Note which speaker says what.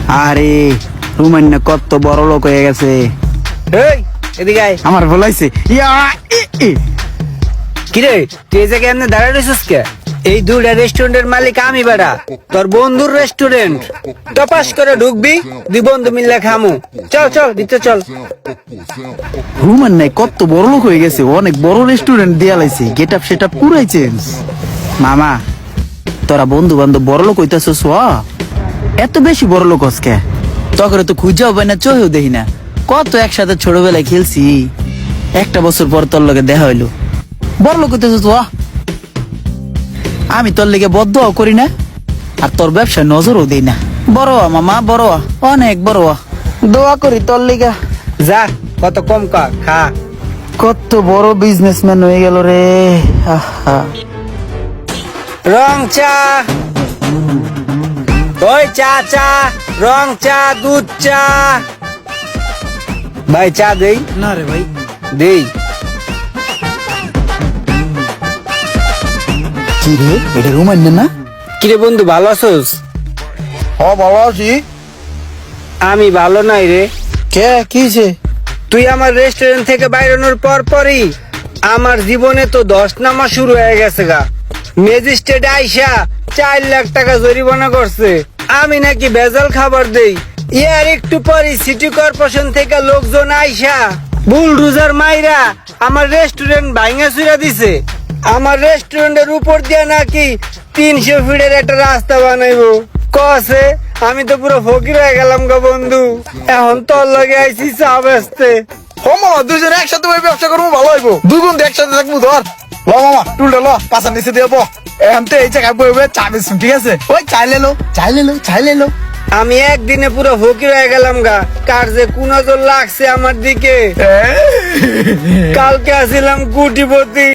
Speaker 1: আরে রুমান না কত বড় লোক হয়ে গেছে।
Speaker 2: এই এদিকে আয়।
Speaker 1: আমার বলাইছে
Speaker 2: কিরে তুই এই জায়গায় এমনি দাঁড়ায় রয়েছিস কে? এই দুটা রেস্টুরেন্টের মালিক আমি বেড়া, তোর বন্ধুর রেস্টুরেন্ট। টপাস করে ঢুকবি, দুই বন্ধু মিললে খামু। চল চল দিতে চল।
Speaker 1: রুমান নাই কত বড় লোক হয়ে গেছে, অনেক বড় রেস্টুরেন্ট দিয়া লাইছে, গেট আপ সেট আপ পুরাই চেঞ্জ। মামা তোরা বন্ধু বান্ধব বড় লোক হইতাছস, এত বেশি বড় লোক হসকে? তখন তো খুঁজাও পাই না, চোহেও দেখি না। কত একসাথে ছোটবেলায় খেলছি, একটা বছর পর তোর লগে দেখা হইলো, বড় লোক হইতেছস। আমি তোর লেগে বদ্ধ করি না, আর তোর ব্যবসায় নজরও দেই না। বড় হ মামা, বড় হ, অনেক বড় হ, দোয়া করি তোর লেগে।
Speaker 2: যা কত কম খা।
Speaker 1: কত বড় বিজনেসম্যান হয়ে গেল রে। আহা
Speaker 2: রং চা, ওই চা চা, রং চা, দুধ চা। ভাই চা দেই?
Speaker 1: না রে ভাই।
Speaker 2: দেই।
Speaker 1: কি রে, এটা রুমান না?
Speaker 2: কিরে বন্ধু ভালো আছোস?
Speaker 1: ভালো আছি।
Speaker 2: আমি ভালো নাই রে।
Speaker 1: কে কিছে?
Speaker 2: তুই আমার রেস্টুরেন্ট থেকে বাইরানোর পরই আমার জীবনে তো 10 নামা শুরু হয়ে গেছে গা। ম্যাজিস্ট্রেট আইসা 4 লাখ টাকা জরিমানা করছে, আমি নাকি ভেজাল খাবার দেই। ইয়ার একটু পরই সিটি কর্পোরেশন থেকে লোকজন আইসা বুলডোজার মাইরা আমার রেস্টুরেন্ট ভাঙা চুরা দিছে। আমার রেস্টুরেন্টের উপর দিয়ে নাকি 300 ফিটের একটা রাস্তা বানাইবো কছে। আমি তো পুরো ফকির হয়ে গেলাম গো বন্ধু। এখন তোর লগে আইছি চা বেচতে।
Speaker 3: মামা দুজনে একসাথে ভাই ব্যবসা করবো, ভালো হইবো। দুই বন্ধু একসাথে থাকবো। ধর ল মামা, টুলটা ল, পাশার নিচে দিয়ে বো। এখন তো এই জায়গায় বইবে চা বেচুন, ঠিক আছে? ওই চাইলে লো, চাইলে লো, চাইলে লো।
Speaker 2: আমি একদিনে পুরো ফকির হয়ে গেলাম গা। কার যে কোন নজর লাগছে আমার দিকে। কালকে আসিলাম কোটিপতি।